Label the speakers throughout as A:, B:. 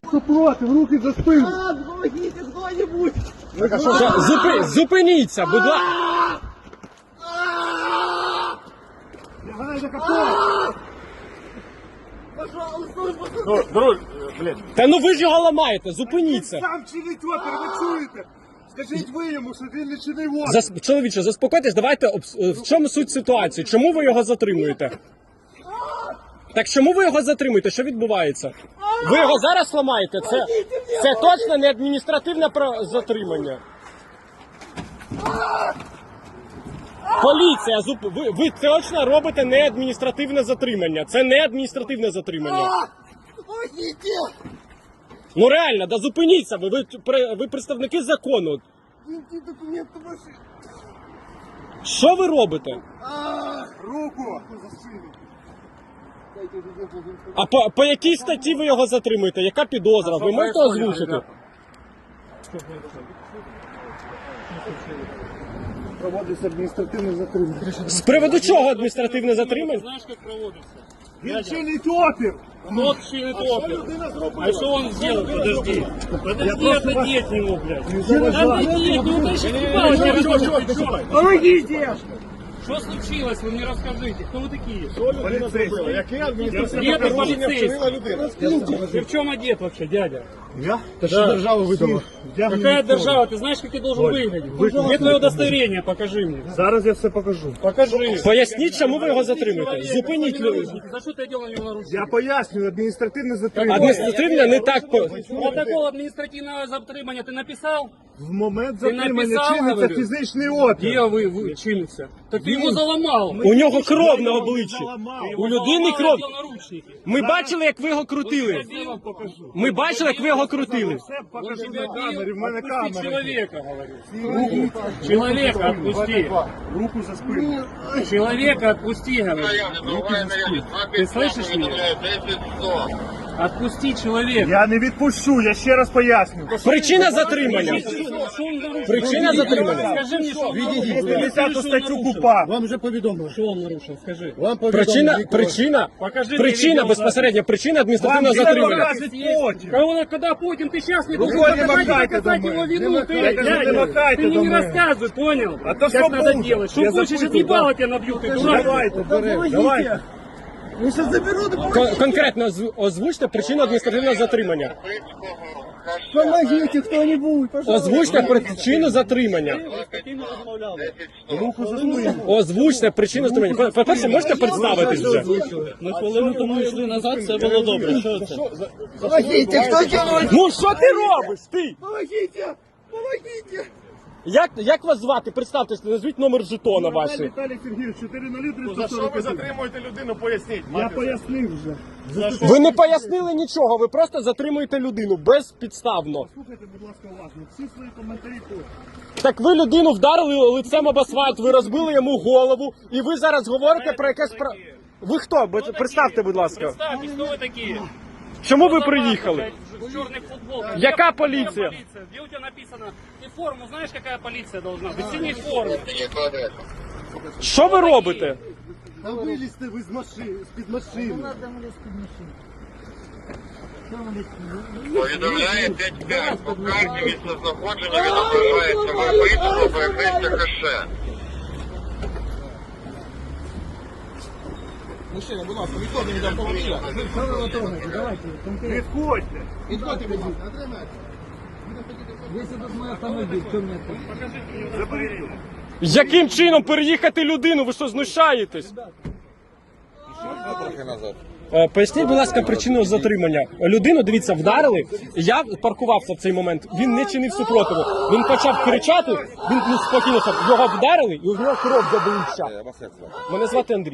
A: супротив, руки за спину.
B: Помогите кто-нибудь!
C: Зупиніться, будь ласка.
A: Лягай на капот.
B: Пожалуйста,
A: Друг, блядь.
C: Та ну ви ж його ламаєте, зупиніться.
A: Сам чинить опір, ви чуєте? Скажіть ви йому, що він не чинив опір.
C: Чоловіче, заспокойтесь, давайте, в чому суть ситуації? Чому ви його затримуєте? Так чому ви його затримуєте? Що відбувається? Ви його зараз ламаєте? Це точно не адміністративне затримання. Поліція, ви точно робите не адміністративне затримання. Це не адміністративне затримання.
B: помогите!
C: Ну реально, да зупиніться ви представники закону.
B: Дайте документы ваши!
C: Що ви робите?
A: Руку за спину.
B: Дайте документы.
C: А по якій статті ви його затримуєте? Яка підозра? Ви можете озвучити?
A: Проводиться адміністративне затримання.
C: З приводу чого адміністративне затримання?
D: Знаешь, как проводится?
A: Він чинить опір.
D: Тот чинит опер. А что он сделал? Подожди. Подожди, отойди от него, блядь. Отойди, от него, ты сейчас
B: Помогите!
D: Что случилось? Вы мне расскажите. Кто вы такие?
A: Поліцейський. Яке адміністративне
D: Где ты
A: порушення вчинила
D: полицейский?
A: людина?
D: Ты в чем одет вообще, дядя?
A: Я? Та що держава видала?
D: Какая держава? Ты знаешь, как ты должен выглядеть? Где твое удостоверение? Покажи мне.
A: Зараз я все покажу.
D: Покажи.
C: Поясніть, чому ви його затримуєте? Зупиніть людей.
D: За что ты одел на него наручники?
A: Я пояснюю, адміністративне затримання.
C: Адміністративне не так.
D: Протокол административного затримания ты написал?
A: В момент
D: Ти
A: затримання
D: написав,
A: чиниться
D: говорю?
A: фізичний опір.
D: Где вы чинится? Так ты его заломал.
C: У нього кров на обличчі. У людини кров.
D: Наручники.
C: Ми бачили, як ви його крутили.
D: Я вам покажу.
C: Ми бачили, як ви його крутили.
A: Все
D: Он
A: покажу
D: тебя
A: на камері, в мене
D: Отпусти
A: камера.
D: человека, говорю. Человека отпусти.
A: Руку за спину.
D: Человека отпусти, говорю. Ты слышишь меня? Отпусти человека.
A: Я не відпущу, я ще раз поясню.
C: Причина затримання.
D: Что он нарушил?
C: Причина затримання.
D: Скажи мне, что он нарушил.
A: 210 статтю КУПА.
E: Вам вже повідомили.
D: Что он нарушил? Скажи.
E: Вам повідомили.
D: Покажи мне
C: Причина,
D: видео,
C: безпосередньо, причина адміністративного
A: Вам
C: затримання.
A: покажуть потім.
D: Когда Путин, ты сейчас не должен
A: Рукой не
D: доказать
A: махайте до
D: его
A: мене.
D: вину,
A: Не
D: ты,
A: махайте, не махайте
D: ты мне
A: до
D: не
A: мене.
D: рассказывай, понял?
A: А то
D: как
A: что
D: надо
A: будет?
D: делать? Что
A: Я
D: хочешь,
A: запутаю,
D: отъебало тебя набью, ты дурак.
A: Давайте, давайте.
B: Я сейчас заберу документы!
C: Конкретно озвучте причину адміністративного затримання.
B: Помогите кто-нибудь, пожалуйста!
C: Озвучте причину затримання.
A: Руку за спину.
C: Озвучте причину затримання. По-перше, можете представитись вже?
D: Ми хвилину тому йшли назад, все було добре. Що це?
B: Помогите, кто делает?
C: Ну що ти робиш? Ти?
B: Помогите! Помогите!
C: Як вас звати? Представтесь, назвіть номер жетона ваші.
A: Віталій Сергійович, 40341. За що ви затримуєте людину, поясніть. Я пояснив вже.
C: Ви не пояснили нічого, ви просто затримуєте людину безпідставно.
A: Слухайте, будь ласка, уважно. Всі свої коментарі тут.
C: Так ви людину вдарили лицем об асфальт, ви розбили йому голову, і ви зараз говорите про якесь право. Ви хто? Представте, будь ласка.
D: Представьте, кто вы такие?
C: Чому ви приїхали?
D: В черных футболках.
C: Яка поліція?
D: Где у тебя написано? Ты форму знаешь, какая полиция должна быть? Синяя форма.
C: Що ви робите?
A: Та вилізьте ви з-під машини.
F: Повідомляє 5-5. По карті місцезнаходження відображається виписано по якесь каше.
E: Мужчина, будь ласка, відходимо від автомобіля.
A: Відходьте.
E: Відходьте від нас.
A: Заберіть його.
C: Яким чином переїхати людину? Ви що, знущаєтесь? Поясніть, будь ласка, причину затримання. Людину, дивіться, вдарили. Я паркувався в цей момент. Він не чинив супротиву. Він почав кричати, він спокійно став. Його вдарили, і у нього кров з обличчя. Мене звати Андрій.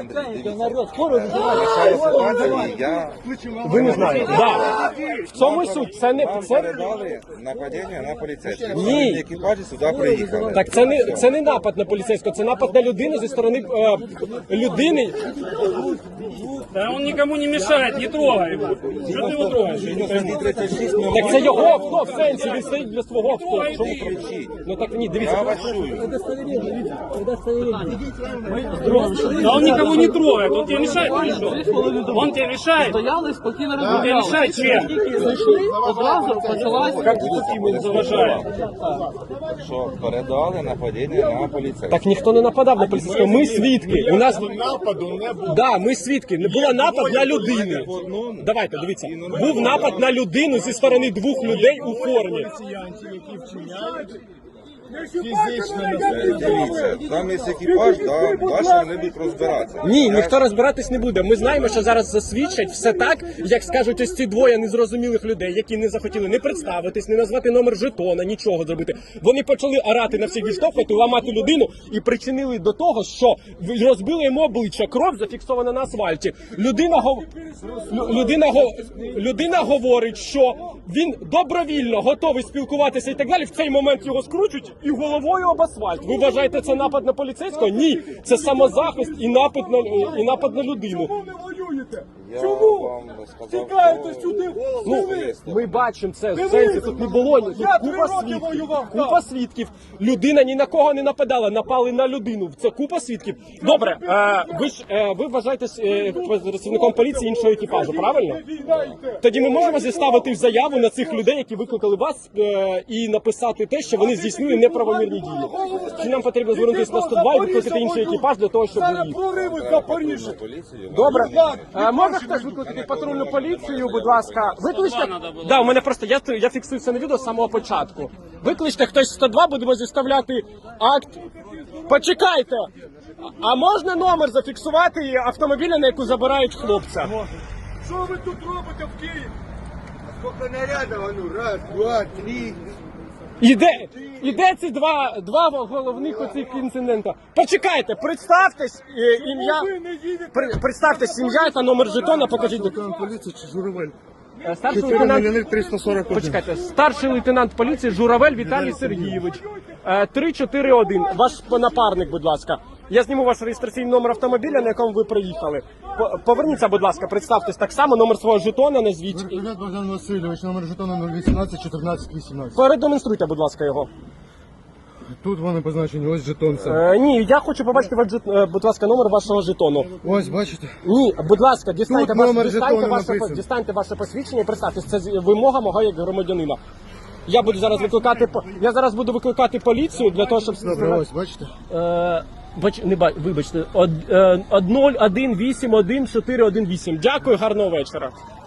C: Ви не знаєте. Да. В цьому і суть. Це не
G: Передали нападіння на поліцейських.
C: Ні.
G: Екіпажі сюди приїхали.
C: Так це не напад на поліцейського, це напад на людину зі сторони людини.
D: Да он никому не мешает, не трогай его. Что ты его трогаешь?
C: Так це його авто в сенсі, він стоїть для свого авто. Що ви кричите? Ну так ні, дивіться.
D: Да он никого не трогает, он тебе мешает или что? Он тебе мешает?
H: Стояли спокійно
D: Он
H: розмовляли.
D: тебе мешает чем?
H: Зайшли, одразу почалася.
C: Як ви таким не заважає?
G: Що передали нападіння на поліцейських.
C: Так ніхто не нападав на поліцейського, ми свідки. У нас
A: Нападу не було.
C: да, ми свідки. Не було напад на людину. Давайте, дивіться. Був напад на людину зі сторони двох людей у формі.
A: Поліціянтів, які вчиняють фізичне насильство.
G: Дивіться, там є екіпаж, да, ваші вони будуть розбиратися.
C: Ні, ніхто розбиратись не буде. Ми знаємо, що зараз засвідчать все так, як скажуть ось ці двоє незрозумілих людей, які не захотіли не представитись, не назвати номер жетона, нічого зробити. Вони почали орати на всіх, відштовхувати, ламати людину і причинили до того, що розбили йому обличчя, кров зафіксована на асфальті. Людина говорить, що він добровільно готовий спілкуватися і так далі. В цей момент його скручують і головою об асфальт. Ви вважаєте, це напад на поліцейського? Ні, це самозахист і напад на людину.
G: Я вам сказав,
A: Тікайте
G: що-
A: сюди!
C: Ну, ми бачимо це, в сенсі тут не було, тут купа свідків. Людина ні на кого не нападала, напали на людину. Це купа свідків. Добре, ви вважаєтесь працівником поліції іншого екіпажу, правильно? Тоді ми можемо зіставити заяву на цих людей, які викликали вас, і написати те, що вони здійснили неправомірні дії. Чи нам потрібно звернутися на 102 і викликати інший екіпаж для того, щоб ви їх?
G: Поліцію.
C: Добре. Можна хтось викликати патрульну поліцію, будь ласка. Викличте. Да, у мене просто я фіксую це на відео з самого початку. Викличте хтось 102, будемо зіставляти акт. Почекайте. А можна номер зафіксувати автомобіля, на яку забирають хлопця?
A: Що ви тут робите в Києві?
B: Сколько нарядов, а ну, раз, два, три.
C: Іде ці два головних оцих інцидента. Почекайте, представтесь ім'я. Представтесь ім'я та номер жетона, покажіть.
A: Поліція чи Журавель?
C: Старший лейтенант
A: 341.
C: Почекайте, старший лейтенант поліції Журавель Віталій Сергійович. 341. Ваш напарник, будь ласка. Я зніму ваш реєстраційний номер автомобіля, на якому ви приїхали. Поверніться, будь ласка, представтесь так само, номер свого жетона назвіть.
A: Верховняк Богдан Васильович, номер жетона 018 14 18.
C: Передемонструйте, будь ласка, його.
A: Тут вони позначені, ось жетон це.
C: Ні, я хочу побачити, будь ласка, номер вашого жетону.
A: Ось, бачите?
C: Ні, будь ласка,
A: Тут номер жетону написано.
C: дістаньте ваше посвідчення і представтесь. Це вимога мого як громадянина. Я зараз буду викликати поліцію для того, щоб...
A: Добре, ось, бачите?
C: Вибачте, 1081418. Дякую, гарного вечора.